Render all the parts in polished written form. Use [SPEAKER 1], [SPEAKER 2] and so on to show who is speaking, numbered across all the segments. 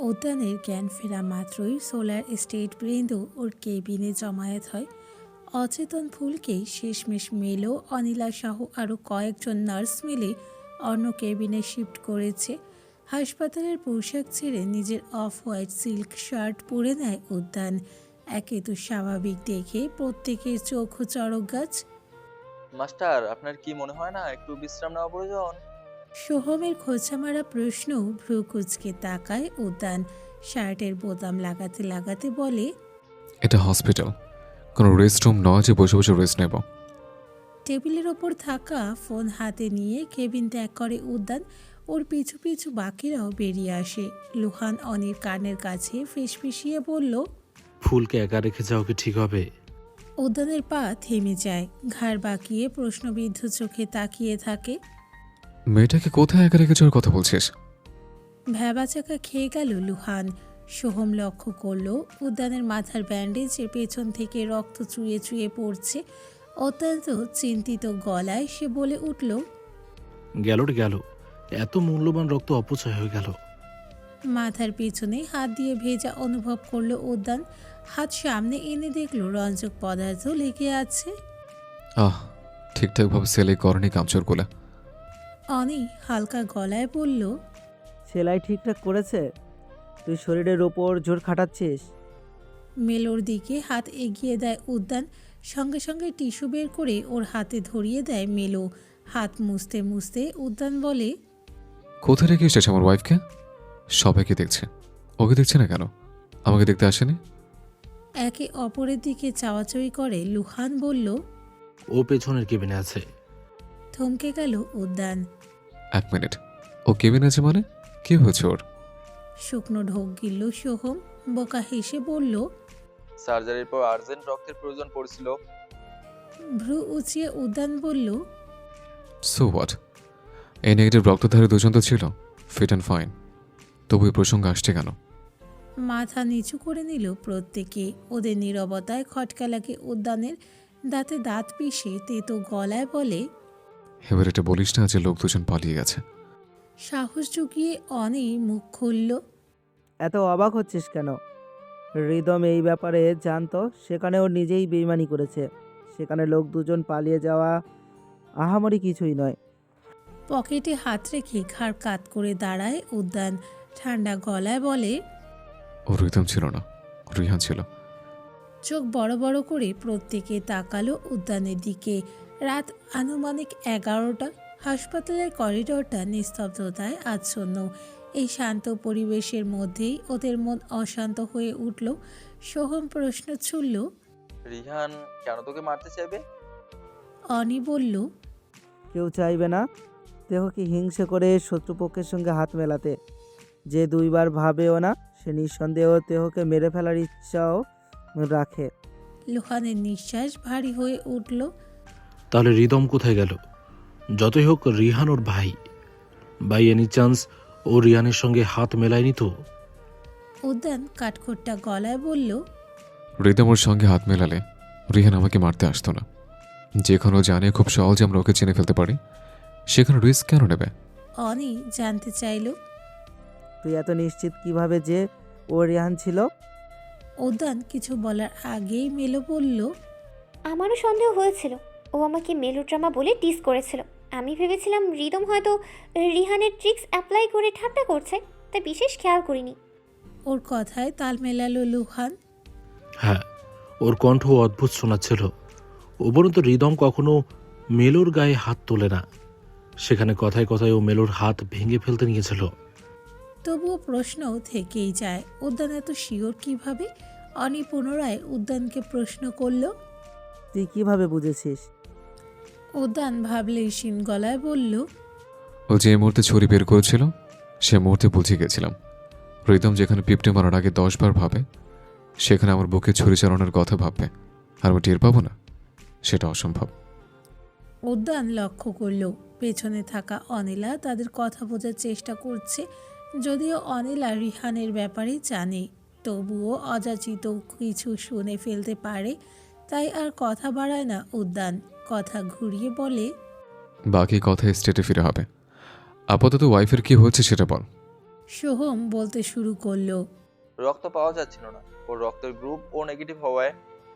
[SPEAKER 1] উদ্যানের জ্ঞান ফেরা মাত্রই সোলার স্টেট বৃন্দ ওর কেবিনে জমায়েত হয়। অচেতন ফুলকে শেষমেশ মেলো অনিলা সহ আরও কয়েকজন নার্স মিলে অন্য কেবিনে শিফট করেছে। হাসপাতালের পোশাক ছেড়ে নিজের অফ হোয়াইট সিল্ক শার্ট পরে নেয় উদ্যান। একে তো স্বাভাবিক দেখে প্রত্যেকের চোখও চড়ক গাছ।
[SPEAKER 2] মাস্টার, আপনার কি মনে হয় না একটু বিশ্রাম নেওয়া প্রয়োজন?
[SPEAKER 1] সোহমের খোঁচামারা প্রশ্ন ভ্রু কুচকে তাকায় উদ্যান। শার্টের বোতাম লাগাতে লাগাতে বলে,
[SPEAKER 3] এটা হসপিটাল, কোনো রেস্ট রুম নয় যে বসে বসে রেস্ট নেব।
[SPEAKER 1] টেবিলের ওপর থাকা ফোন হাতে নিয়ে কেবিন ত্যাগ করে উদ্যান। ওর পিছু পিছু বাকিরাও বেরিয়ে আসে। লুহান অনির কানের কাছে ফিসফিসিয়ে বলল।
[SPEAKER 4] ফুলকে একা রেখে যাও কি ঠিক হবে?
[SPEAKER 1] উদ্যানের পা থেমে যায়, ঘাড় বাঁকিয়ে প্রশ্নবিদ্ধ চোখে তাকিয়ে থাকে।
[SPEAKER 3] মেয়েটাকে কোথায় একা রেখে যাওয়ার কথা বলছিস?
[SPEAKER 1] ভ্যাবাচাকা খেয়ে গেল লুহান। সোহম লক্ষ্য করল উদ্যানের মাথার ব্যান্ডেজের পেছন থেকে রক্ত চুয়ে চুয়ে পড়ছে। অত্যন্ত চিন্তিত গলায় সে বলে উঠল,
[SPEAKER 4] গেল রে গেল, এত মূল্যবান রক্ত অপচয় হয়ে গেল।
[SPEAKER 1] মাথার পেছনে হাত দিয়ে ভেজা অনুভব করলো উদ্যান। হাত সামনে এনে দেখলো রঞ্জক পদার্থ লেগে আছে।
[SPEAKER 3] আহ, ঠিকঠাকভাবে সেলাই করেনি কামচোরগুলো।
[SPEAKER 1] অনি হালকা গলায় বলল,
[SPEAKER 5] সেলাই ঠিকঠাক করেছে? তুই শরীরের ওপর জোর খাটাচ্ছিস।
[SPEAKER 1] মেলোর দিকে হাত এগিয়ে দেয় উদ্যান। সঙ্গে সঙ্গে টিস্যু বের করে ওর হাতে ধরিয়ে দেয় মেলো। হাত মুছতে মুছতে উদ্যান বলে,
[SPEAKER 3] কোথায় রেখে এসেছে আমার ওয়াইফকে? সবাইকে দেখছে, ওকে দেখছে না কেন? আমাকে দেখতে আসেনি?
[SPEAKER 1] একে অপরের দিকে চাওয়াচাওয়ি করে লুহান বলল।
[SPEAKER 4] ও পেছনের কেবিনে আছে।
[SPEAKER 1] থমকে গেল উদ্যান।
[SPEAKER 3] 1 মিনিট, ও কেবিন আছে মানে? কি হয়েছে ওর?
[SPEAKER 1] শুকনো ঢোক গিলল সোহম। বোকা হেসে বলল,
[SPEAKER 2] সার্জারির পর আর্জেন্ট রক্তের প্রয়োজন পড়ছিল।
[SPEAKER 1] ভ্রু উঁচিয়ে উদ্যান বলল,
[SPEAKER 3] সো হোয়াট, এই নেগেটিভ রক্তধারী দুজন তো ছিল, ফিট অ্যান্ড ফাইন। তবু এই প্রসঙ্গ আসছে কেন?
[SPEAKER 1] মাথা নিচু করে নিল প্রত্যেকে। ওদের নীরবতায় খটকা লাগে উদ্যানের। দাঁতে দাঁত পিষে তেতো গলায় বলে,
[SPEAKER 3] এবার এটা বলিস না যে লোক দুজন পালিয়ে গেছে।
[SPEAKER 1] সাহস জুগিয়ে অনি মুখ খুলল।
[SPEAKER 5] এত অবাক হচ্ছিস কেন? হৃদম এই ব্যাপারে জানতো, সেখানে ওর নিজেই বেইমানি করেছে। সেখানে লোক দুজন পালিয়ে যাওয়া আহামরি কিছুই নয়।
[SPEAKER 1] পকেটে হাত রেখে ঘাড় কাত করে দাঁড়ায় উদ্যান। ঠান্ডা গলায় বলে,
[SPEAKER 3] ও রিদম ছিল না, রিহান ছিল।
[SPEAKER 1] চোখ বড় বড় করে প্রত্যেকে তাকালো উদ্যানের দিকে। রাত আনুমানিক 11টা। হাসপাতালের করিডোরটা নিস্তব্ধতায় আচ্ছন্ন। এই শান্ত পরিবেশের মধ্যেই ওদের মন অশান্ত হয়ে উঠল। সোহম প্রশ্ন ছুড়ল,
[SPEAKER 2] রিহান কেন তোকে মারতে চাইবে?
[SPEAKER 1] অনি বলল,
[SPEAKER 5] কেউ চাইবে না দেহকে হিংসে করে শত্রুপক্ষের সঙ্গে হাত মেলাতে। যে দুইবার ভাবেও না, সে নিঃসন্দেহ দেহকে মেরে ফেলার ইচ্ছাও রাখে।
[SPEAKER 1] লুহানের নিঃশ্বাস ভারী হয়ে উঠল।
[SPEAKER 4] তাহলে হৃদম কোথায় গেল? যতই হোক রিহান ওর ভাই। বাই এনি চান্স ও রিহানের সঙ্গে হাত মেলায়নি তো?
[SPEAKER 1] উদ্যান কাঠখোট্টা গলায় বলল,
[SPEAKER 3] রিদম ওর সঙ্গে হাত মেলালে রিহান আমাকে মারতে আসতো না। যেখানে ও জানে খুব সহজে আমরা ওকে চিনে ফেলতে পারি, সেখানে রিস্ক কেন নেবে?
[SPEAKER 1] অনি জানতে চাইল।
[SPEAKER 5] তুই এত নিশ্চিত কিভাবে যে ও রেহান ছিল?
[SPEAKER 1] উদ্যান কিছু বলার আগেই মেলো বলল,
[SPEAKER 6] আমারও সন্দেহ হয়েছিল। ও আমাকে মেলোড্রামা বলে টিস করেছিল। আমি ভেবেছিলাম রিদম হয়তো রিহানের ট্রিক্স অ্যাপ্লাই করে ঠাট্টা করছে, তাই বিশেষ খেয়াল করিনি।
[SPEAKER 1] ওর কথায় তাল মেলালো লুহান।
[SPEAKER 4] হ্যাঁ, ওর কণ্ঠ অদ্ভুত শোনাচ্ছিল। উপরন্তু হৃদম কখনো মেলোর গায়ে হাত তোলে না। সেখানে কথায় কথায় ও মেলোর হাত ভেঙে ফেলতে নিয়েছিল।
[SPEAKER 1] তবুও প্রশ্ন থেকেই যায়, উদ্যান এত শিওর কিভাবে? অনি পুনরায় উদ্যানকে প্রশ্ন করল।
[SPEAKER 5] তুই কিভাবে বুঝেছিস?
[SPEAKER 1] উদ্যান ভাবলেই শিন গলায় বলল,
[SPEAKER 3] ও যে মুহূর্তে ছুরি বের করেছিল সে মুহূর্তে বুঝে গেছিলাম। রিদম যেখানে পিপটে মারার আগে 10 বার ভাবে, সেখানে আমার বুকে ছুরি চালানোর কথা ভাববে আর আমি টের পাবো না? সেটা অসম্ভব।
[SPEAKER 1] উদ্যান লক্ষ্য করল পেছনে থাকা অনিলা তাদের কথা বোঝার চেষ্টা করছে। যদিও অনিলা রিহানের ব্যাপারে জানে, তবুও অযাচিত কিছু শুনে ফেলতে পারে। তাই আর কথা বাড়ায় না উদ্যান। কথা ঘুরিয়ে বলে,
[SPEAKER 3] বাকি কথা স্টেটে ফিরে হবে। আপাতত ওয়াইফের কি হচ্ছে সেটা বল।
[SPEAKER 1] সোহম বলতে শুরু করলো।
[SPEAKER 2] রক্ত পাওয়া যাচ্ছিল না, ওর রক্তের গ্রুপ ও নেগেটিভ হওয়ায়।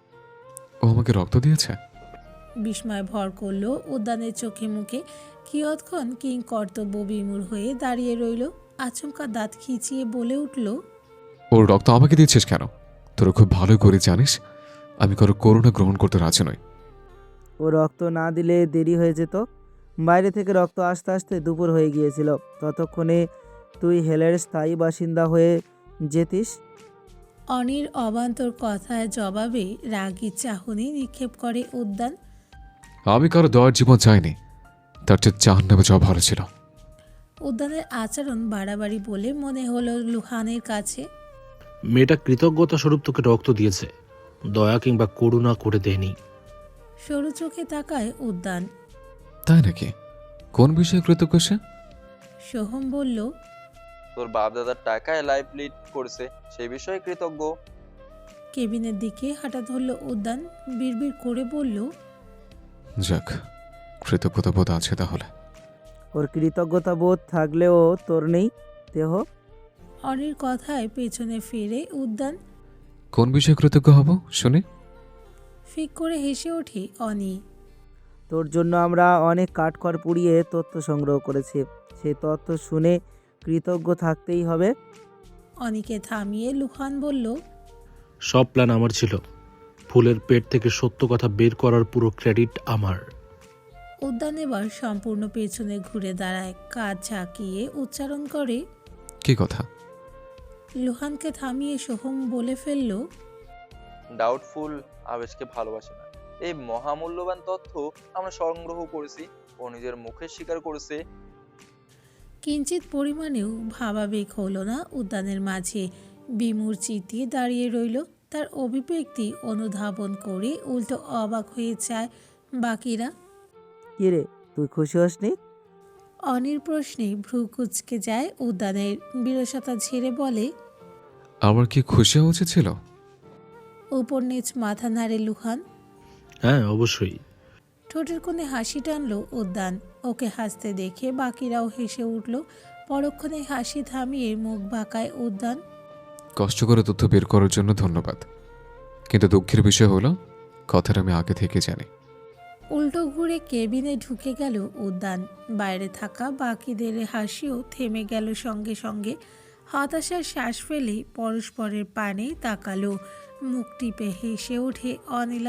[SPEAKER 3] ও আমাকে রক্ত দিয়েছে?
[SPEAKER 1] বিস্ময় ভর করলো উদ্যানের চোখে মুখে। কিয়ৎক্ষণ কিং কর্তব্য বিমূঢ় হয়ে দাঁড়িয়ে রইল। আচমকা দাঁত খিচিয়ে বলে উঠল,
[SPEAKER 3] ওর রক্ত আমাকে দিচ্ছিস কেন? তোরা খুব ভালো করে জানিস আমি কারো করুণা গ্রহণ করতে রাজি নই।
[SPEAKER 5] ও রক্ত না দিলে দেরি হয়ে যেত। বাইরে থেকে রক্ত আসতে আসতে দুপুর হয়ে গিয়েছিল। ততক্ষণে তুই হেলের স্থায়ী বাসিন্দা হয়ে যেতিস।
[SPEAKER 1] অনির অবান্তর কথায় জবাবে রাগী চাহনি নিক্ষেপ করে উদ্যান।
[SPEAKER 3] আমি কারো দয়ার জীবন চাইনি, তার চেয়ে জাহান্নামে যাওয়া ভালো ছিল।
[SPEAKER 1] উদ্যানের আচরণ বাড়াবাড়ি বলে মনে হলো লুহানের কাছে।
[SPEAKER 4] মেয়েটা কৃতজ্ঞতা স্বরূপ তোকে রক্ত দিয়েছে, দয়া কিংবা করুণা করে দেয়নি।
[SPEAKER 1] সরু চোখে তাকায় উদ্যান।
[SPEAKER 3] তাই নাকি? কোন বিষয়ে কৃতজ্ঞ সে?
[SPEAKER 1] সোহম বলল,
[SPEAKER 2] তোর বাপ দাদার টাকায় লাইফ লিড করেছে, সেই বিষয়ে কৃতজ্ঞ।
[SPEAKER 1] কেবিনের দিকে হাঁটা ধরল উদ্যান। বিড়বিড় করে বলল,
[SPEAKER 3] যাক, কৃতজ্ঞতা বোধ আছে তাহলে।
[SPEAKER 5] ওর কৃতজ্ঞতা বোধ থাকলেও তোর নেই দেহ।
[SPEAKER 1] অনির কথায় পেছনে ফিরে উদ্যান।
[SPEAKER 3] কোন বিষয়ে কৃতজ্ঞ হব শুনি?
[SPEAKER 1] ফিক করে হেসে ওঠে অনি।
[SPEAKER 5] তোর জন্য আমরা অনেক কাঠখড় পুড়িয়ে তথ্য সংগ্রহ করেছি। সেই তথ্য শুনে কৃতজ্ঞ থাকতেই হবে।
[SPEAKER 1] অনিকে থামিয়ে লুহান বলল,
[SPEAKER 4] সব প্ল্যান আমার ছিল। ফুলের পেট থেকে সত্য কথা বের করার পুরো ক্রেডিট আমার।
[SPEAKER 1] উদ্যান এবার সম্পূর্ণ পেছনে ঘুরে দাঁড়ায়, কাঁধ ঝাঁকিয়ে উচ্চারণ করে।
[SPEAKER 3] কি কথা?
[SPEAKER 1] লুহানকে থামিয়ে সোহম বলে ফেলল,
[SPEAKER 2] ডাউটফুল আবেশকে ভালোবাসে না, এই মহামূল্যবান তথ্য আমরা সংগ্রহ করেছি। ও নিজের মুখে স্বীকার করেছে।
[SPEAKER 1] কিঞ্চিত পরিমাণেও ভাবাবেগ হলো না উদ্যানের মাঝে। বিমূঢ় চিতিয়ে দাঁড়িয়ে রইল। তার অভিব্যক্তি অনুধাবন করে উল্টো অবাক হয়ে যায় বাকিরা।
[SPEAKER 5] কিরে, তুই খুশি হসনি?
[SPEAKER 1] অনির প্রশ্নে ভ্রু কুঁচকে যায় উদ্যানের। বিরসতা ঝেড়ে বলে,
[SPEAKER 3] আমার কি খুশি হওয়া উচিত ছিল?
[SPEAKER 1] উপর নিচ মাথা নাড়ে লুহান।
[SPEAKER 4] হ্যাঁ, অবশ্যই।
[SPEAKER 1] ঠোঁটের কোণে হাসি টানলো উদ্যান। ওকে হাসতে দেখে বাকিরাও হেসে উঠল। পরক্ষণে হাসি থামিয়ে মুখ বাঁকায় উদ্যান।
[SPEAKER 3] কষ্ট করে তথ্য বের করার জন্য ধন্যবাদ, কিন্তু দুঃখের বিষয় হলো কথাটা আমি আগে থেকে জানি।
[SPEAKER 1] উল্টো ঘুরে কেবিনে ঢুকে গেল উদ্যান। বাইরে থাকা বাকিদের হাসিও থেমে গেল সঙ্গে সঙ্গে। হতাশার শ্বাস ফেলে পরস্পরের পানে তাকালো। মুখ টিপে হেসে ওঠে অনিলা।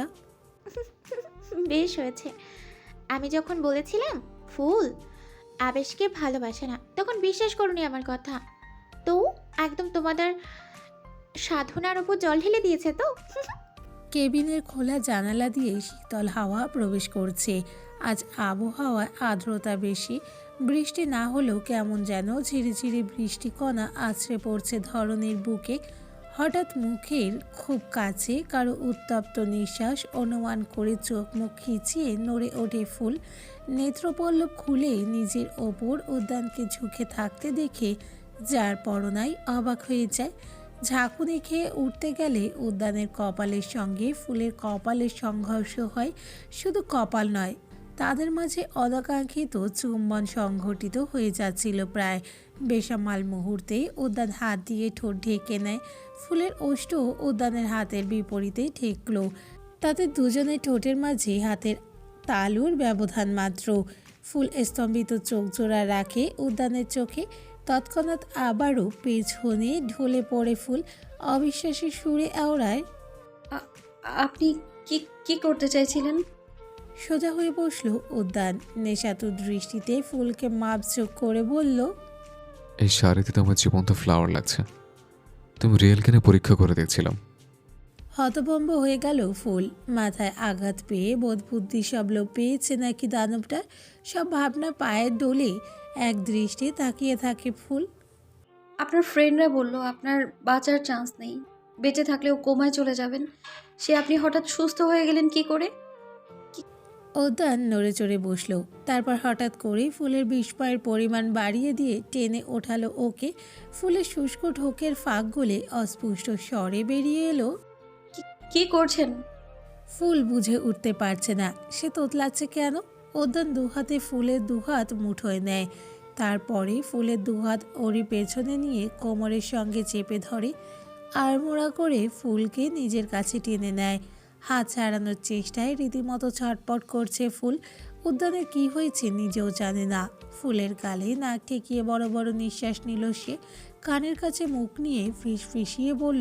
[SPEAKER 7] বেশ হয়েছে। আমি যখন বলেছিলাম ফুল আবেশকে ভালোবাসে না, তখন বিশ্বাস করুনি আমার কথা। তো একদম তোমাদের সাধনার উপর জল ঢেলে দিয়েছে তো।
[SPEAKER 1] কেবিনের খোলা জানালা দিয়ে শীতল হাওয়া প্রবেশ করছে। আজ আবহাওয়ায় আর্দ্রতা বেশি। বৃষ্টি না হলেও কেমন যেন ঝিরিঝিরি বৃষ্টিকণা আছড়ে পড়ছে ধরনের বুকে। হঠাৎ মুখের খুব কাছে কারো উত্তপ্ত নিঃশ্বাস অনুমান করে চোখ মুখ খিচিয়ে নড়ে ওঠে ফুল। নেত্রপল্লব খুলে নিজের ওপর উদ্যানকে ঝুঁকে থাকতে দেখে যার পরনাই অবাক হয়ে যায়। ঝাঁকুনি খেয়ে উঠতে গেলে উদ্যানের কপালের সঙ্গে ফুলের কপালের সংঘর্ষ হয়। শুধু কপাল নয়, তাদের মাঝে অনাকাঙ্ক্ষিত চুম্বন সংঘটিত হয়ে যাচ্ছিল প্রায়। বেসামাল মুহূর্তে উদ্যান হাত দিয়ে ঠোঁট ঢেকে নেয়। ফুলের ওষ্ঠ উদ্যানের হাতের বিপরীতে ঠেকল। তাতে দুজনের ঠোঁটের মাঝে হাতের তালুর ব্যবধান মাত্র। ফুল স্তম্ভিত চোখ জোড়া রাখে উদ্যানের চোখে। তৎক্ষণাৎ আবারও পেছনে ঢলে পড়ে ফুল। অবিশ্বাসী সুরে আওড়ায়,
[SPEAKER 8] আপনি কি কি করতে চাইছিলেন?
[SPEAKER 1] সোজা হয়ে বসলো উদ্যান। নেশাতুর দৃষ্টিতে ফুলকে মাপঝোঁক করে বলল,
[SPEAKER 3] এই শাড়িতে তো আমার জীবন্ত ফ্লাওয়ার লাগছে। তুমি রিয়েল কিনে পরীক্ষা করে দেখছিলাম।
[SPEAKER 1] হতভম্ব হয়ে গেল ফুল। মাথায় আঘাত পেয়ে বোধবুদ্ধি সব লোপ পেয়েছে নাকি দানবটা। সব ভাবনা পায়ের দোলে এক দৃষ্টি তাকিয়ে থাকে ফুল।
[SPEAKER 8] আপনার ফ্রেন্ডরা বলল আপনার বাঁচার চান্স নেই, বেঁচে থাকলেও কোমায় চলে যাবেন। সে আপনি হঠাৎ সুস্থ হয়ে গেলেন কি করে?
[SPEAKER 1] উদ্যান নড়ে চড়ে বসলো। তারপর হঠাৎ করেই ফুলের বিস্ময়ের পরিমাণ বাড়িয়ে দিয়ে টেনে ওঠালো ওকে। ফুলের শুষ্ক ঢোকের ফাঁক গলে অস্পষ্ট স্বরে বেরিয়ে এলো,
[SPEAKER 8] কি করছেন?
[SPEAKER 1] ফুল বুঝে উঠতে পারছে না সে তোতলাচ্ছে কেন। উদ্যান দুহাতে ফুলের দুহাত মুঠোয় নেয়। তারপরে ফুলের দুহাত ওরই পেছনে নিয়ে কোমরের সঙ্গে চেপে ধরে আড়মোড়া করে ফুলকে নিজের কাছে টেনে নেয়। হাত ছাড়ানোর চেষ্টায় রীতিমতো ছটপট করছে ফুল। উদ্যানের কি হয়েছে নিজেও জানে না। ফুলের গালে নাক ঠেকিয়ে বড় বড় নিঃশ্বাস নিল সে। কানের কাছে মুখ নিয়ে ফিসফিসিয়ে বলল,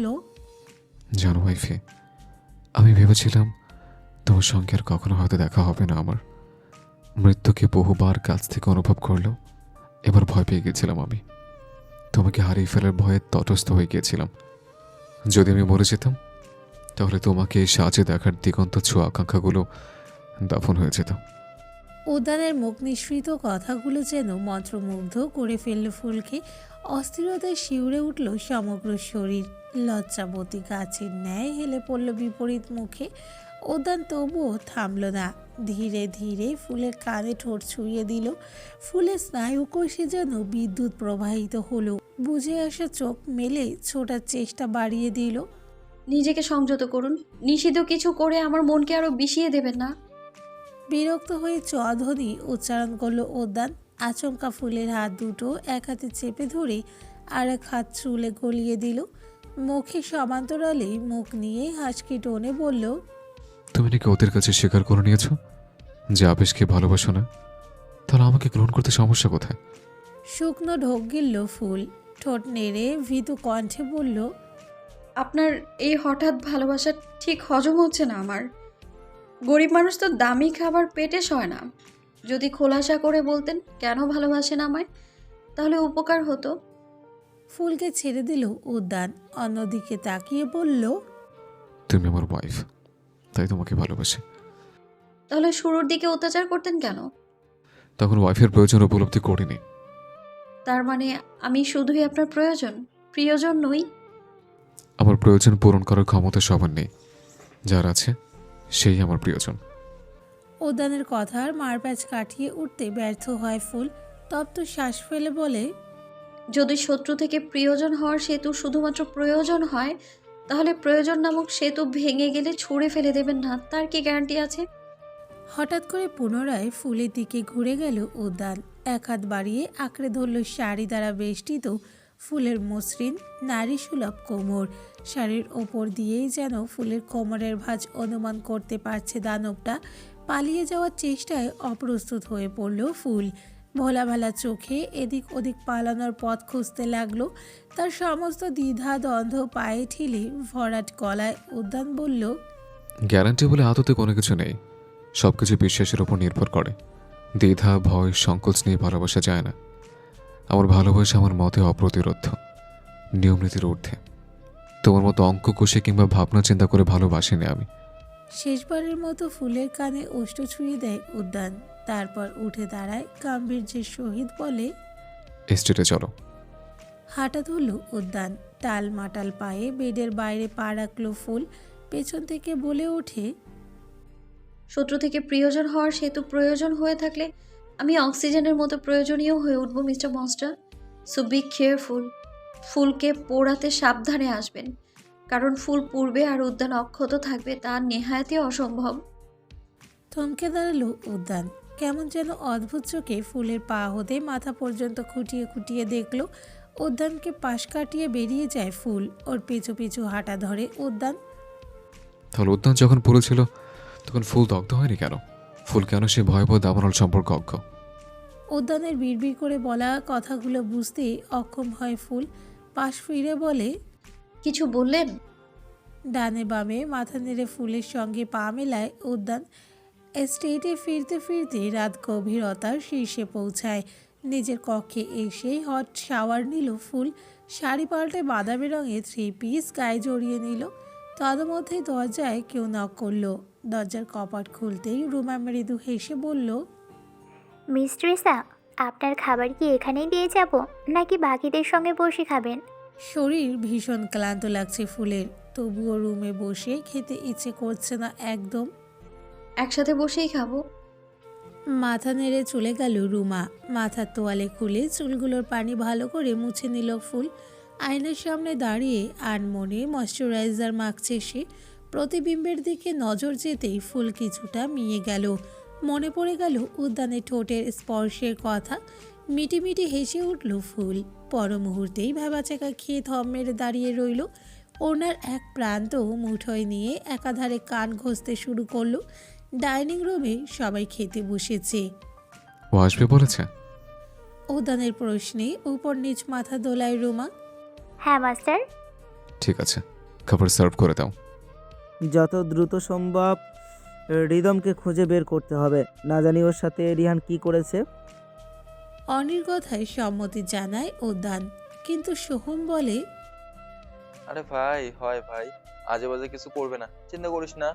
[SPEAKER 3] জানো ওয়াইফে, আমি ভেবেছিলাম তোমার সঙ্গে আর কখনো হয়তো দেখা হবে না আমার। মৃত্যুকে বহুবার কাছ থেকে অনুভব করলেও এবার ভয় পেয়ে গেছিলাম আমি। তোমাকে হারিয়ে ফেলার ভয়ে তটস্থ হয়ে গিয়েছিলাম। যদি আমি মরে যেতাম তাহলে তোমাকে এই সাজে দেখার দিগন্ত ছোঁয়া আকাঙ্ক্ষাগুলো দাফন হয়ে যেত।
[SPEAKER 1] উদ্যানের মুখ নিঃসৃত কথাগুলো যেন মন্ত্রমুগ্ধ করে ফেলল ফুলকে। অস্থিরতায় শিউরে উঠল সমগ্র শরীর। লজ্জাবতী গাছের ন্যায় হেলে পড়ল বিপরীত মুখে। উদ্যান তবুও থামল না। ধীরে ধীরে ফুলের কানে ঠোঁট ছুঁয়ে দিল। ফুলের স্নায়ুকোষে যেন বিদ্যুৎ প্রবাহিত হলো। বুঝে আসা চোখ মেলে ছোটার চেষ্টা বাড়িয়ে দিল।
[SPEAKER 8] নিজেকে সংযত করুন। নিষিদ্ধ কিছু করে আমার মনকে আরও বিষিয়ে দেবেন না।
[SPEAKER 1] বিরক্ত হয়ে চধ্বনি উচ্চারণ করলো উদ্যান। আচমকা ফুলের হাত দুটো এক হাতে চেপে ধরে আর এক হাত চুলে গলিয়ে দিল। মুখে সমান্তরালে মুখ নিয়ে হাসকি টোনে বলল,
[SPEAKER 3] তুমি নাকি ওদের কাছে স্বীকার করে নিয়েছো যে আবেশকে ভালোবাসো না? তাহলে আমাকে গ্রহণ করতে সমস্যা কোথায়?
[SPEAKER 1] শুকনো ঢোক গিলল ফুল। ঠোঁট নেড়ে ভীতু কণ্ঠে বলল,
[SPEAKER 8] আপনার এই হঠাৎ ভালোবাসা ঠিক হজম হচ্ছে না আমার। গরিব মানুষ তো দামি খাবার পেটে সয় না। যদি খোলাসা করে বলতেন কেন ভালোবাসেন আমায়, তাহলে উপকার হতো।
[SPEAKER 1] ফুলকে ছেড়ে দিল উদ্যান। অন্যদিকে তাকিয়ে বলল,
[SPEAKER 3] তুমি আমার ওয়াইফ, তাই তোমাকে ভালোবাসি।
[SPEAKER 8] তাহলে শুরুর দিকে অত্যাচার করতেন কেন?
[SPEAKER 3] তখন ওয়াইফের প্রয়োজন উপলব্ধি করিনি।
[SPEAKER 8] তার মানে আমি শুধুই আপনার প্রিয়জন নই?
[SPEAKER 3] আমার প্রয়োজন পূরণ করার ক্ষমতা সবার নেই। যার আছে সেই আমার প্রিয়জন।
[SPEAKER 1] উদ্যানের কথার মারপ্যাচ কাটিয়ে উঠতে ব্যর্থ হয় ফুল। তপ্ত শ্বাস ফেলে বলে,
[SPEAKER 8] যদি শত্রু থেকে প্রিয়জন হওয়ার সেতু শুধুমাত্র প্রয়োজন হয়, তাহলে প্রয়োজন নামক সেতু ভেঙে গেলে ছুঁড়ে ফেলে দেবেন না, তার কি গ্যারান্টি আছে?
[SPEAKER 1] হঠাৎ করে পুনরায় ফুলের দিকে ঘুরে গেল উদ্যান। এক হাত বাড়িয়ে আঁকড়ে ধরল শাড়ি দ্বারা বেষ্টিত ফুলের মসৃণ নারী সুলভ কোমর। শাড়ির ওপর দিয়েই যেন ফুলের কোমরের ভাঁজ অনুমান করতে পারছে দানবটা। পালিয়ে যাওয়ার চেষ্টায় অপ্রস্তুত হয়ে পড়ল ফুল। ভোলা ভালা চোখে এদিক ওদিক পালানোর পথ খুঁজতে লাগলো। তার সমস্ত দ্বিধা দ্বন্দ্ব পায়ে ঠিলে ভরাট গলায় উদ্যান বলল,
[SPEAKER 3] গ্যারান্টি বলে আদতে কোনো কিছু নেই। সব কিছু বিশ্বাসের উপর নির্ভর করে। দ্বিধা, ভয়, সংকোচ নিয়ে ভালোবাসা যায় না। আমার ভালোবাসা আমার মতে অপ্রতিরোধ, নিয়মনীতির ঊর্ধ্বে। তোমার মতো অঙ্ক কষে কিংবা ভাবনা চিন্তা করে ভালোবাসিনি আমি।
[SPEAKER 1] শেষবারের মতো ফুলের কানে ওষ্ঠ ছুঁয়ে দেয় উদ্যান। তারপর উঠে দাঁড়ায় গাম্ভীর্যের সহিত বলে,
[SPEAKER 3] এস্টেটে চলো।
[SPEAKER 1] হাঁটা ধরল উদ্যান। টাল মাটাল পায়ে বেডের বাইরে পা রাখল ফুল। পেছন থেকে বলে ওঠে,
[SPEAKER 8] শত্রু থেকে প্রিয়জন হওয়ার সেতু প্রয়োজন হয়ে থাকলে আমি অক্সিজেনের মতো প্রয়োজনীয় হয়ে উঠব mister monster. So be careful. ফুলকে পোড়াতে সাবধানে আসবেন, কারণ ফুল পূর্বে আর উদ্যান অক্ষত থাকবে তা নেহায়াতই অসম্ভব।
[SPEAKER 1] থমকে দাঁড়ালো উদ্যান। কেমন যেন অদ্ভুত চোখে ফুলের পা হতে মাথা পর্যন্ত খুঁটিয়ে খুঁটিয়ে দেখল। উদ্যানকে পাশ কাটিয়ে বেরিয়ে যায় ফুল। ওর পিছু পিছু হাঁটা ধরে উদ্যান।
[SPEAKER 3] তাহলে উদ্যান যখন পড়েছিল তখন ফুল দগ্ধ হয়নি কেন? ফুল কেন সে ভয়াবহ দাবানল সম্পর্ক অজ্ঞ?
[SPEAKER 1] উদ্যানের বিড়বিড় করে বলা কথাগুলো বুঝতেই অক্ষম হয় ফুল। পাশ ফিরে বলে,
[SPEAKER 8] কিছু বললেন?
[SPEAKER 1] ডানে বামে মাথা নেড়ে ফুলের সঙ্গে পা মেলায় উদ্যান। এস্টেটে ফিরতে ফিরতে রাত গভীরতার শীর্ষে পৌঁছায়। নিজের কক্ষে এসে হট শাওয়ার নিল ফুল। শাড়ি পাল্টে বাদামি রঙের 3 পিস গায়ে জড়িয়ে নিল। তদমধ্যে দরজায় কেউ নক করলো। দরজার কপাট খুলতেই রুমা মৃদু হেসে বলল,
[SPEAKER 9] মিস ট্রিসা, আপনার খাবার কি এখানেই দিয়ে যাব নাকি বাকিদের সঙ্গে বসে খাবেন?
[SPEAKER 1] শরীর ভীষণ ক্লান্ত লাগছে ফুলের, তবুও রুমে বসে খেতে ইচ্ছে করছে না একদম।
[SPEAKER 8] একসাথে বসেই খাবো।
[SPEAKER 1] মাথা নেড়ে চলে গেল রুমা। মাথার তোয়ালে খুলে চুলগুলোর পানি ভালো করে মুছে নিল ফুল। আয়নার সামনে দাঁড়িয়ে আনমনে ময়শ্চারাইজার মাখছে সে। প্রতিবিম্বের দিকে নজর যেতেই ফুল কিছুটা মিয়ে গেল। মনে পড়ে গেল উদ্যানের ঠোঁটের স্পর্শের কথা। মিটিমিটি হেসে উঠল ফুল। পর মুহূর্তেই ভেবাচাকা খেয়ে থম মেরে দাঁড়িয়ে রইল। ওনার এক প্রান্ত মুঠোয় নিয়ে একাধারে কান ঘষতে শুরু করলো। ডাইনিং রুমে সবাই খেতে বসেছে।
[SPEAKER 3] ও আসবে বলেছে?
[SPEAKER 1] উদ্যানের প্রশ্নে উপর নিচ মাথা দোলায় রুমা।
[SPEAKER 9] হ্যাঁ মাস্টার।
[SPEAKER 3] ঠিক আছে, খাবার সার্ভ করে দাও।
[SPEAKER 5] যত দ্রুত সম্ভব রিদমকে খুঁজে বের করতে হবে। না জানি ওর সাথে রিহান কি করেছে।
[SPEAKER 1] অনির কথায় সম্মতি জানায় উদ্যান, কিন্তু সোহম বলে,
[SPEAKER 2] আরে ভাই, হয় ভাই, আজে বাজে কিছু করবে না, চিন্তা করিস না।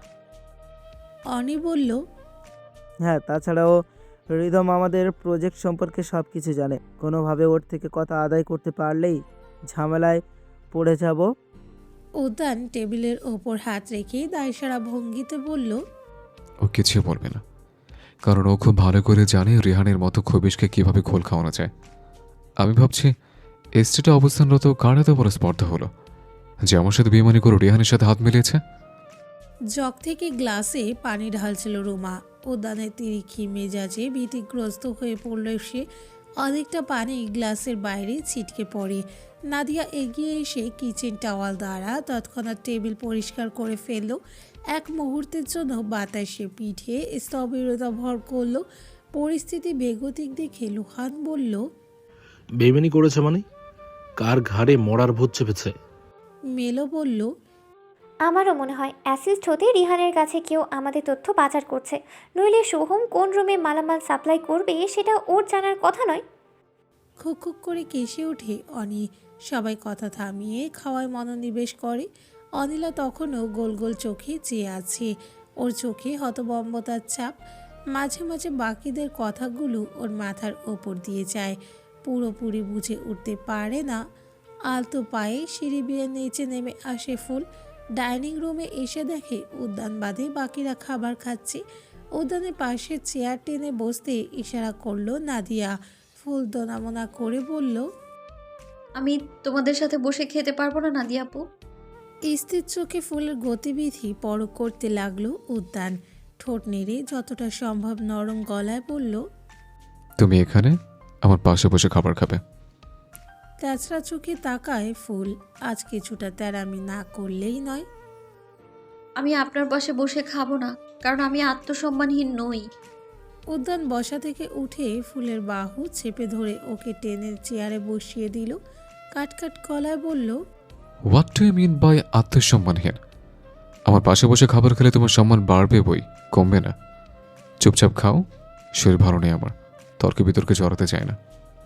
[SPEAKER 1] অনি বলল,
[SPEAKER 5] হ্যাঁ, তাছাড়াও রিদম আমাদের প্রজেক্ট সম্পর্কে সব কিছু জানে। কোনোভাবে ওর থেকে কথা আদায় করতে পারলেই ঝামেলায় পড়ে যাব।
[SPEAKER 1] উদ্যান টেবিলের ওপর হাত রেখে দায়সারা ভঙ্গিতে বলল,
[SPEAKER 3] ও কিছু বলবে না, কারণ ও খুব ভালো করে জানে রিহানের মতো খবিশকে কিভাবে খোল খাওয়ানো যায়। আমি ভাবছি এস্টেটে অবস্থানরত কার এত বড় স্পর্ধা হলো যে আমার সাথে বেমানি করে রিহানের সাথে হাত মিলিয়েছে।
[SPEAKER 1] জগ থেকে গ্লাসে পানি ঢালছিল রুমা। উদ্যানের তিরিক্ষি মেজাজে ভীতিগ্রস্ত হয়ে পড়ল সে। অনেকটা পানি গ্লাসের বাইরে ছিটকে পড়ে। নাদিয়া এগিয়ে এসে কিচেন টাওয়াল দ্বারা তৎক্ষণাৎ টেবিল পরিষ্কার করে ফেলল। এক মুহূর্তের জন্য বাতাসে পিঠে স্থবিরতা ভর করল। পরিস্থিতি বেগতিক দেখে লুহান বলল,
[SPEAKER 4] বেইমানি করেছে মানে? কার ঘাড়ে মরার ভূত চেপেছে?
[SPEAKER 1] মেলো বলল,
[SPEAKER 6] আমারও মনে হয় অ্যাসিস্ট হতে রিহানের কাছে কেউ আমাদের তথ্য পাচার করছে, নইলে সোহম কোন রুমে মালামাল সাপ্লাই করবে সেটা ওর জানার কথা নয়।
[SPEAKER 1] খুক খুক করে কেসে ওঠে অনি। সবাই কথা থামিয়ে খাওয়ায় মনোনিবেশ করে। অনিলা তখনও গোল গোল চোখে চেয়ে আছে। ওর চোখে হতবম্বতার ছাপ। মাঝে মাঝে বাকিদের কথাগুলো ওর মাথার ওপর দিয়ে যায়, পুরোপুরি বুঝে উঠতে পারে না। আলতো পায়ে সিঁড়ি বেয়ে নিচে নেমে আসে ফুল। ডাইনিং রুমে এসে দেখে উদ্যান বাদে বাকিরা খাবার খাচ্ছে। উদ্যানের পাশে চেয়ার টেনে বসতে ইশারা করলো নাদিয়া। ফুল দোনামোনা করে বলল,
[SPEAKER 8] আমি তোমাদের সাথে বসে খেতে পারবো না নাদিয়া আপু।
[SPEAKER 1] স্থির চোখে ফুলের গতিবিধি পরখ করতে লাগলো উদ্যান। ঠোঁট নেড়ে যতটা সম্ভব নরম গলায় বলল,
[SPEAKER 3] তুমি এখানে আমার পাশে বসে খাবার খাবে।
[SPEAKER 1] তেচড়া চোখে তাকায় ফুল। আজ কিছুটা তেরামি না করলেই নয়।
[SPEAKER 8] আমি আপনার পাশে বসে খাবো না, কারণ আমি আত্মসম্মানহীন নই।
[SPEAKER 1] উদ্যান বসা থেকে উঠে ফুলের বাহু চেপে ধরে ওকে টেনে চেয়ারে বসিয়ে দিল। কাটকাট গলায় বলল,
[SPEAKER 3] what do you mean by আত্মসম্মানহীন? আমার পাশে বসে খাবার খেলে তোমার সম্মান বাড়বে বই, কমবে না। চুপচাপ খাও, শরীর ভালো নেই আমার, তর্কে বিতর্কে জড়াতে চায় না।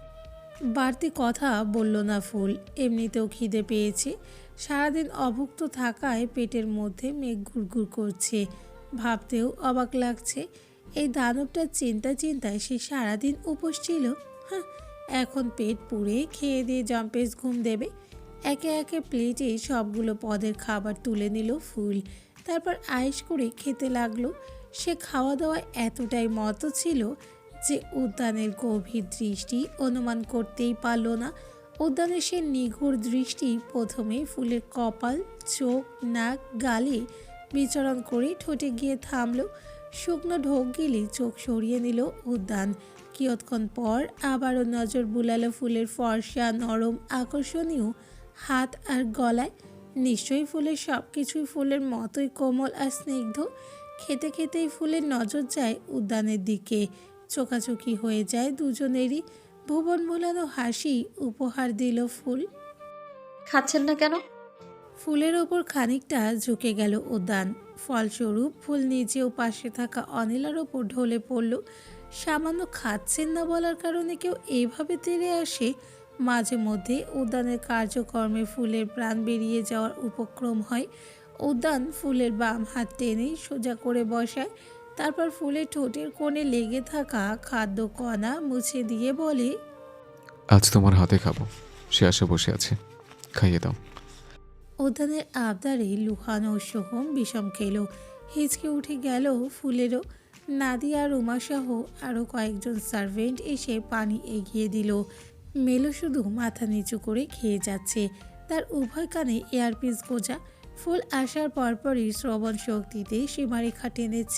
[SPEAKER 1] বাড়তি কথা বলল না ফুল। এমনিতেও খিদে পেয়েছে। সারাদিন অভুক্ত থাকায় পেটের মধ্যে মেঘ ঘুরঘুর করছে। ভাবতেও অবাক লাগছে, এই দানবটার চিন্তায় সে সারাদিন উপোস ছিল। হ্যাঁ, এখন পেট পুড়ে খেয়ে দিয়ে জম্পেস ঘুম দেবে। একে একে প্লেটে সবগুলো পদের খাবার তুলে নিল ফুল। তারপর আয়েশ করে খেতে লাগলো। সে খাওয়া দাওয়ায় এতটাই মত ছিল যে উদ্যানের গভীর দৃষ্টি অনুমান করতেই পারল না। উদ্যানের সে নিঘুর দৃষ্টি প্রথমে ফুলের কপাল, চোখ, নাক, গালে বিচরণ করে ঠোঁটে গিয়ে থামল। শুকনো ঢোক গিলে চোখ সরিয়ে নিল উদ্যান। কিয়ৎক্ষণ পর আবারও নজর বুলালো ফুলের ফর্সা, নরম, আকর্ষণীয় হাত আর গলায়। নিশ্চয়ই ফুলের সব কিছুই ফুলের মতোই কোমল আর স্নিগ্ধ। খেতে খেতেই ফুলের নজর যায় উদ্যানের দিকে। চোখাচোখি হয়ে যায় দুজনেরই। ভুবন ভোলানো হাসি উপহার দিল ফুল।
[SPEAKER 8] খাচ্ছেন না কেন?
[SPEAKER 1] ফুলের ওপর খানিকটা ঝুঁকে গেল উদ্যান। ফলস্বরূপ ফুল নিজেও পাশে থাকা অনিলার ওপর ঢলে পড়ল। সামান্য খাচ্ছেন না বলার কারণে কেউ এইভাবে তেড়ে আসে? মাঝে মধ্যে উদ্যানের কার্যকর্মে ফুলের প্রাণ বেরিয়ে যাওয়ার উপক্রম হয়। উদ্যান ফুলের বাম হাত টেনে সোজা করে বসায়। তারপর ফুলের ঠোঁটের কোণে লেগে থাকা খাদ্য কণা মুছে দিয়ে বলে,
[SPEAKER 3] আজ তোমার হাতে খাবো, সে আশা বসে আছে, খাইয়ে দাও।
[SPEAKER 1] উদ্যানের আবদারে লুহান ও সোহম বিষম খেলো। হিচকে উঠে গেল ফুলেরও। নাদিয়া আর উমাসহ আরও কয়েকজন সার্ভেন্ট এসে পানি এগিয়ে দিল। মেলো শুধু মাথা নিচু করে খেয়ে যাচ্ছে। তার উভয় কানে এয়ারপিস গোজা। ফুল আসার পরপরই শ্রবণ শক্তিতে সীমারেখা টেনেছে।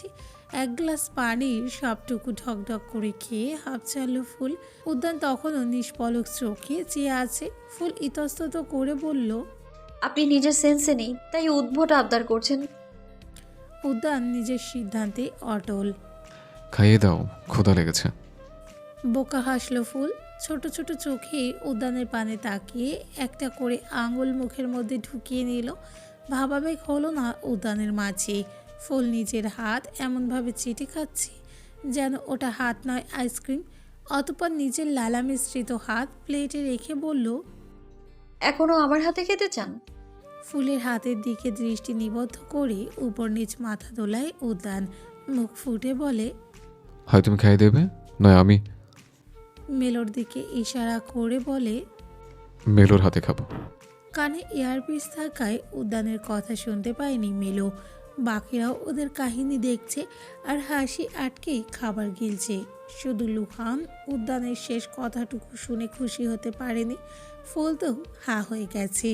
[SPEAKER 1] এক গ্লাস পানির সবটুকু ঢকঢক করে খেয়ে হাঁপ ছাড়ল ফুল। উদ্যান তখনও নিষ্পলক চোখে চেয়ে আছে। ফুল ইতস্তত করে বলল,
[SPEAKER 8] আপনি নিজের সেন্সে নেই, তাই উদ্ভট আবদার করছেন।
[SPEAKER 1] উদ্যান নিজের সিদ্ধান্তে অটল।
[SPEAKER 3] খাইয়ে দাও, ক্ষুধা লেগেছে।
[SPEAKER 1] বোকা হাসল ফুল। ছোট ছোট চোখে উদ্যানের পানে তাকিয়ে একটা করে আঙুল মুখের মধ্যে ঢুকিয়ে নিল। ভাবাবেগ হলো না উদ্যানের মাঝে। ফুল নিজের হাত এমনভাবে চেটে খাচ্ছে যেন ওটা হাত নয়, আইসক্রিম। অতঃপর নিজের লালা মিশ্রিত হাত প্লেটে রেখে বলল,
[SPEAKER 8] এখনো আমার হাতে খেতে চান?
[SPEAKER 1] ফুলের হাতের দিকে দৃষ্টি নিবদ্ধ করে উপর নিচ মাথা দোলায় উদ্যান। মুখ ফুটে বলে,
[SPEAKER 3] হয় তুমি খাইয়ে দেবে, নয় আমি
[SPEAKER 1] মেলোর দিকে ইশারা করে বলে।
[SPEAKER 3] মেলোর হাতে খাবো।
[SPEAKER 1] কানে এয়ারপিস থাকায় উদ্যানের কথা শুনতে পায়নি মেলো। বাকিরাও ওদের কাহিনী দেখছে আর হাসি আটকেই খাবার গিলছে। শুধু লুহান উদ্যানের শেষ কথাটুকু শুনে খুশি হতে পারেনি। ফুল তো হা হয়ে গেছে।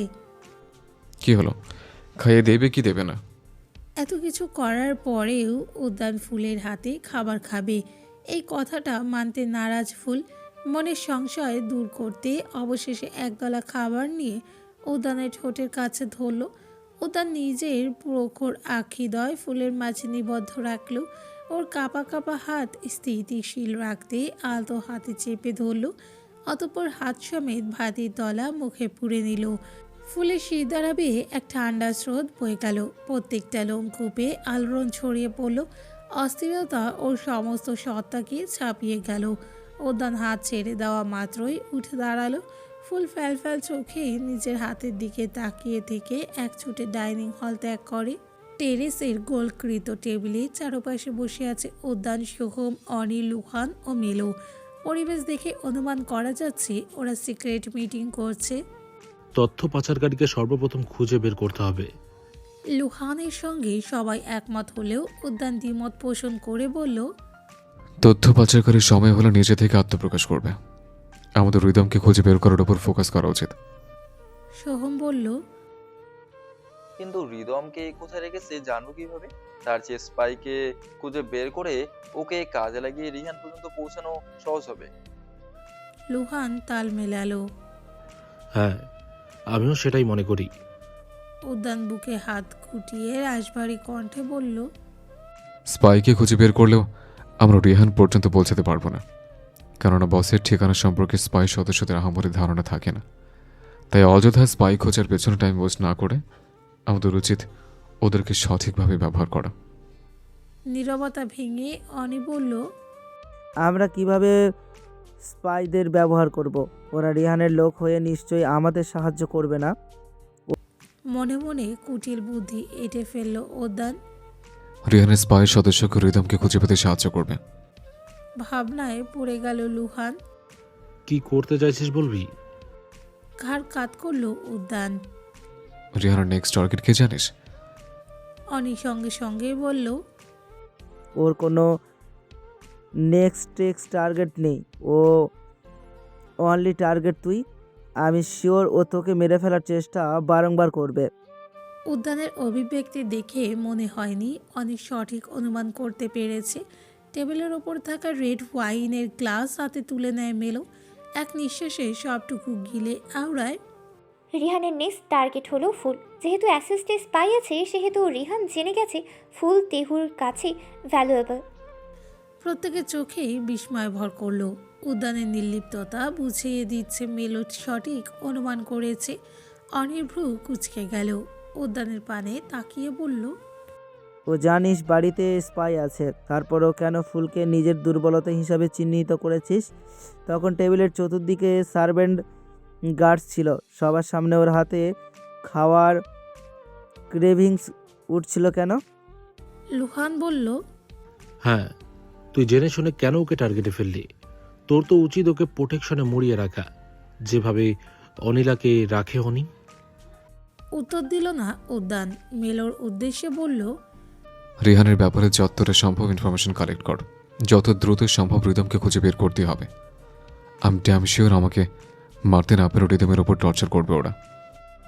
[SPEAKER 3] কি হলো, খাইয়ে দেবে কি দেবে না?
[SPEAKER 1] এত কিছু করার পরেও উদ্যান ফুলের হাতে খাবার খাবে, এই কথাটা মানতে নারাজ ফুল। মনের সংশয় দূর করতে অবশেষে একগলা খাবার নিয়ে উদ্যানের ঠোঁটের কাছে ধরল। উদ্যান নিজের প্রখর আখিদয় ফুলের মাঝে নিবদ্ধ রাখল। ওর কাঁপা কাঁপা হাত স্থিতিশীল রাখতে আলতো হাতে চেপে ধরল। অতঃপর হাত সমেত ভাতের তলা মুখে পুরে নিল। ফুলের শির দ্বারা বেয়ে এক ঠান্ডা স্রোত বয়ে গেল। প্রত্যেকটা লোমকূপে আলোড়ন ছড়িয়ে পড়ল। অস্থিরতা ওর সমস্ত সত্তাকে ছাপিয়ে গেল। উদ্যান হাত ছেড়ে দেওয়া মাত্রই উঠে দাঁড়ালো। ফুল ফ্যালফ্যাল চোখে নিজের হাতের দিকে তাকিয়ে থেকে এক ছুটে ডাইনিং হল ত্যাগ করে। টেরেসের গোলকৃত টেবিলে চারপাশে বসে আছে উদ্যান, সোহম, অনি, লুহান ও মেলো। পরিবেশ দেখে অনুমান করা যাচ্ছে ওরা সিক্রেট মিটিং করছে।
[SPEAKER 4] তথ্য পাচারকারীকে সর্বপ্রথম খুঁজে বের করতে হবে।
[SPEAKER 1] লুহানের সঙ্গে সবাই একমত হলেও উদ্যান দ্বিমত পোষণ করে বলল,
[SPEAKER 3] তথ্য পাচারকারীর সময় হলে নিজে থেকে আত্মপ্রকাশ করবে। আমাদের রিদমকে খুঁজে বের করার উপর ফোকাস করা উচিত।
[SPEAKER 1] সোহম বলল,
[SPEAKER 2] কিন্তু রিদমকে কোথায় রেখেছে জানবো কিভাবে? তার চেয়ে স্পাইকে খুঁজে বের করে ওকে কাজে লাগিয়ে রিহান পর্যন্ত পৌঁছানো সহজ হবে।
[SPEAKER 1] লুহান তাল মেলালো।
[SPEAKER 4] হ্যাঁ, আমিও সেটাই মনে করি।
[SPEAKER 1] উদ্যান বুকে হাত গুটিয়ে রাশভারী কণ্ঠে বলল,
[SPEAKER 3] স্পাইকে খুঁজে বের করলেও আমরা রিহান পর্যন্ত পৌঁছাতে পারবো না, কেননা বসের ঠিকানা সম্পর্কে স্পাই সদস্যদের আহামরি ধারণা থাকে না। তাই অযথা স্পাই খোঁজার পেছনে টাইম ওয়েস্ট না করে আমাদের উচিত ওদেরকে সঠিকভাবে ব্যবহার করা।
[SPEAKER 1] নীরবতা ভেঙে অনি বলল,
[SPEAKER 5] আমরা কিভাবে স্পাইদের ব্যবহার করব? ওরা রিহানের লোক হয়ে নিশ্চয়ই আমাদের সাহায্য করবে না।
[SPEAKER 1] মনে মনে কুটিল বুদ্ধি এঁটে ফেলল উদ্যান।
[SPEAKER 3] রিহানের স্পাই সদস্যকে রিদমকে খুঁজে পেতে সাহায্য করবে।
[SPEAKER 1] ভাবনায় পড়ে গেল লুহান।
[SPEAKER 4] কি করতে চাইছিস বলবি?
[SPEAKER 1] ঘাড় কাত করল উদ্যান।
[SPEAKER 3] রিহানের নেক্সট টার্গেট কে জানিস?
[SPEAKER 1] অনি সঙ্গে সঙ্গে বলল,
[SPEAKER 5] ওর কোনো নেক্সট টার্গেট নেই, ও অনলি টার্গেট তুই। আমি শিওর ও তোকে মেরে ফেলার চেষ্টা বারংবার করবে।
[SPEAKER 1] উদ্যানের অভিব্যক্তি দেখে মনে হয়নি অনেক সঠিক অনুমান করতে পেরেছে। টেবিলের ওপর থাকা রেড ওয়াইনের গ্লাস হাতে তুলে নেয় মেলো। এক নিঃশ্বাসে সবটুকু গিলে আওড়ায়,
[SPEAKER 6] রিহানের নেক্সট টার্গেট হলো ফুল। যেহেতু অ্যাসিস্টে স্পাই আছে সেহেতু রিহান জেনে গেছে ফুল তেহুর কাছে ভ্যালুয়েবল।
[SPEAKER 1] প্রত্যেকের চোখেই বিস্ময় ভর করলো। উদ্যানের নির্লিপ্ততা বুঝিয়ে দিচ্ছে মেলো সঠিক অনুমান করেছে। অনির ভ্রু কুঁচকে গেল। উদ্যানের পানে তাকিয়ে বলল,
[SPEAKER 5] ও জানিস বাড়িতে স্পাই আছে, তারপরও কেন ফুলকে নিজের দুর্বলতা হিসাবে চিহ্নিত করেছিস? তখন টেবিলের চতুর্দিকে সার্ভেন্ট গার্ডস ছিল, সবার সামনে ওর হাতে খাওয়ার ক্রেভিংস উঠছিল কেন?
[SPEAKER 1] লুহান বলল,
[SPEAKER 4] হ্যাঁ, তুই জেনে শুনে কেন ওকে টার্গেটে ফেললি? তোর তো উচিত ওকে প্রোটেকশনে মুড়িয়ে রাখা, যেভাবে অনিলাকে রাখে অনি।
[SPEAKER 1] উত্তর দিল না উদ্যান। মেলোর উদ্দেশ্যে বলল,
[SPEAKER 3] রিহানের ব্যাপারে যতটা সম্ভব ইনফরমেশন কালেক্ট কর। যত দ্রুত সম্ভব রিদমকে খুঁজে বের করতে হবে। আমি ড্যাম শিওর আমাকে মারতে না পেরে রিদমের ওপর টর্চার করবে ওরা।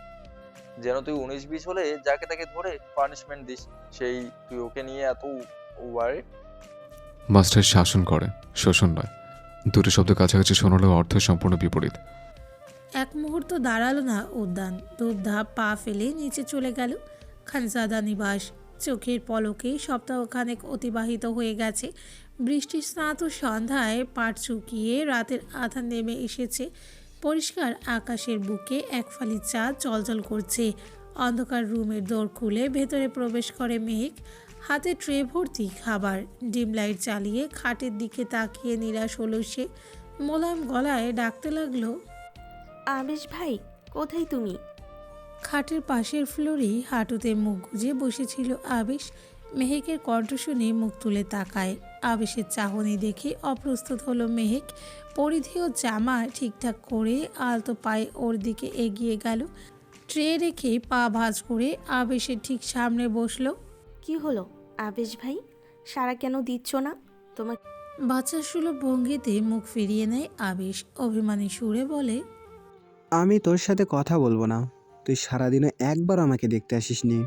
[SPEAKER 2] যেন তুই 19-20 হলে যাকে তাকে ধরে পানিশমেন্ট দিস, সেই তুই ওকে নিয়ে এত ওয়ার্ড?
[SPEAKER 3] মাস্টার শাসন করে, শোষণ নয়। দুটো শব্দ কাছাকাছি শোনালেও অর্থ সম্পূর্ণ বিপরীত।
[SPEAKER 1] এক মুহূর্ত দাঁড়ালো না উদ্যান, ধূপধাপ পা ফেলে নিচে চলে গেল খানজাদা নিবাস। চোখের পলকে সপ্তাহখানেক অতিবাহিত হয়ে গেছে। বৃষ্টি স্নাত সন্ধ্যায় পাট চুকিয়ে রাতের আধার নেমে এসেছে। পরিষ্কার আকাশের বুকে এক ফালি চাঁদ জ্বলজ্বল করছে। অন্ধকার রুমের দোর খুলে ভেতরে প্রবেশ করে মেঘ, হাতে ট্রে ভর্তি খাবার। ডিম লাইট জ্বালিয়ে খাটের দিকে তাকিয়ে নিরাশ হলো সে। মোলায়েম গলায় ডাকতে লাগলো,
[SPEAKER 10] আবেশ ভাই, কোথায় তুমি?
[SPEAKER 1] খাটের পাশের ফ্লোরেই হাঁটুতে মুখ গুজে বসেছিল আবেশ। মেহেকের কণ্ঠ শুনে মুখ তুলে তাকায়। আবেশের চাহনি দেখে অপ্রস্তুত হলো মেহেক। পরিধেয় জামা ঠিকঠাক করে আলতো পায়ে ওর দিকে এগিয়ে গেল। ট্রে রেখে পা ভাঁজ করে আবেশের ঠিক সামনে বসলো।
[SPEAKER 10] কি হলো আবেশ ভাই, সারা কেন দিচ্ছ না? তোমার
[SPEAKER 1] বাচ্চা সুলভ ভঙ্গিতে মুখ ফিরিয়ে নেয় আবেশ। অভিমানী সুরে বলে,
[SPEAKER 11] আমি তোর সাথে কথা বলবো না। তুই সারাদিনে একবার আমাকে দেখতে আসিসনি।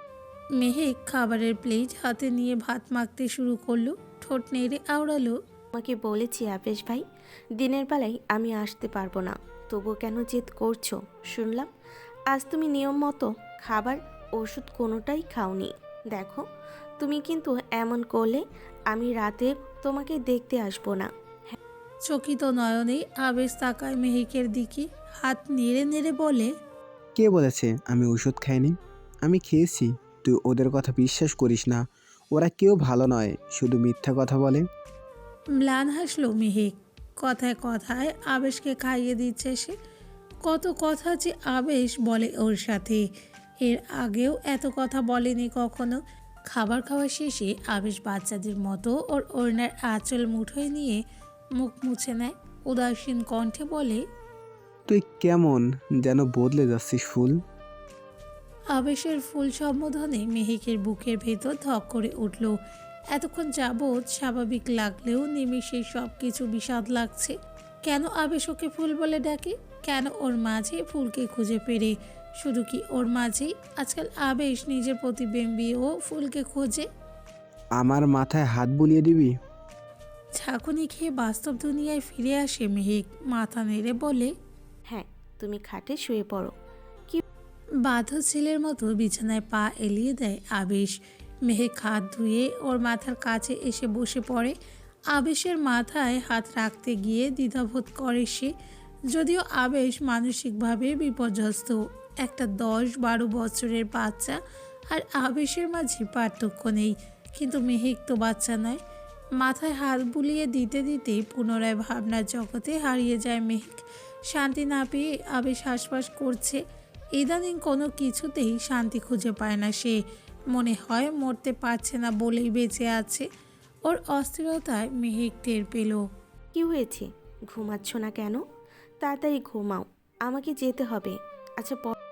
[SPEAKER 1] মেহেক খাবারের প্লেট হাতে নিয়ে ভাত মাখতে শুরু করলো। ঠোঁট নেড়ে আওড়ালো,
[SPEAKER 10] তোমাকে বলেছি আবেশ ভাই, দিনের বেলায় আমি আসতে পারবো না, তবুও কেন জেদ করছো? শুনলাম আজ তুমি নিয়ম মতো খাবার ওষুধ কোনোটাই খাওনি। দেখো তুমি কিন্তু এমন করলে আমি রাতে তোমাকে দেখতে আসবো না।
[SPEAKER 1] চকিত নয়নে আবেশ তাকায় মেহেকের দিকে। হাত নেড়ে নেড়ে বলে,
[SPEAKER 11] কে বলেছে আমি ওষুধ খাইনি? আমি খেয়েছি। তুই ওদের কথা বিশ্বাস করিস না। ওরা কেউ ভালো নয়, শুধু মিথ্যা কথা বলে।
[SPEAKER 1] ম্লান হাসলো মেহেক। কথায় কথায় আবেশকে খাইয়ে দিচ্ছে সে। কত কথা যে আবেশ বলে ওর সাথে, এর আগেও এত কথা বলেনি কখনো। খাবার খাওয়া শেষে আবেশ বাচ্চাদের মতো ওর ওড়নার আঁচল মুঠোয় নিয়ে মুখ মুছে নেয়। উদাসীন কণ্ঠে বলে,
[SPEAKER 11] তুই কেমন যেন বদলে যাচ্ছিস ফুল।
[SPEAKER 1] আবেশের ফুল সম্বোধনে মেহেকের বুকের ভেতর ধক করে উঠল। এতক্ষণ যাবৎ স্বাভাবিক লাগলেও নিমিষে সব কিছু বিষাদ লাগছে। কেন আবেশ ওকে ফুল বলে ডাকে? কেন ওর মাঝে ফুলকে খুঁজে পেরে? শুধু কি ওর মাঝেই? আজকাল আবেশ নিজের প্রতিবিম্বীও ফুলকে খোঁজে।
[SPEAKER 11] আমার মাথায় হাত বুলিয়ে দিবি?
[SPEAKER 1] ঝাঁকুনি খেয়ে বাস্তব দুনিয়ায় ফিরে আসে মেহেক। মাথা নেড়ে বলে,
[SPEAKER 10] হ্যাঁ, তুমি খাটে শুয়ে পড়ো।
[SPEAKER 1] বাধ্য ছেলের মতো বিছানায় পা এলিয়ে দেয় আবেশ। মেহেক হাত ধুয়ে ওর মাথার কাছে এসে বসে পড়ে। আবেশের মাথায় হাত রাখতে গিয়ে দ্বিধাবোধ করে সে। যদিও আবেশ মানসিকভাবে বিপর্যস্ত। একটা 10-12 বছরের বাচ্চা আর আবেশের মাঝে পার্থক্য নেই, কিন্তু মেহেক তো বাচ্চা নয়। মাথায় হাত বুলিয়ে দিতে দিতে পুনরায় ভাবনার জগতে হারিয়ে যায় মেহেক। শান্তি না পেয়ে আবেশ হাসফাস করছে। ইদানিং কোনো কিছুতেই শান্তি খুঁজে পায় না সে। মনে হয় মরতে পারছে না বলেই বেঁচে আছে। ওর অস্থিরতায় মেহেক টের পেল।
[SPEAKER 10] কি হয়েছে, ঘুমাচ্ছ না কেন? তাড়াতাড়ি ঘুমাও, আমাকে যেতে হবে। আচ্ছা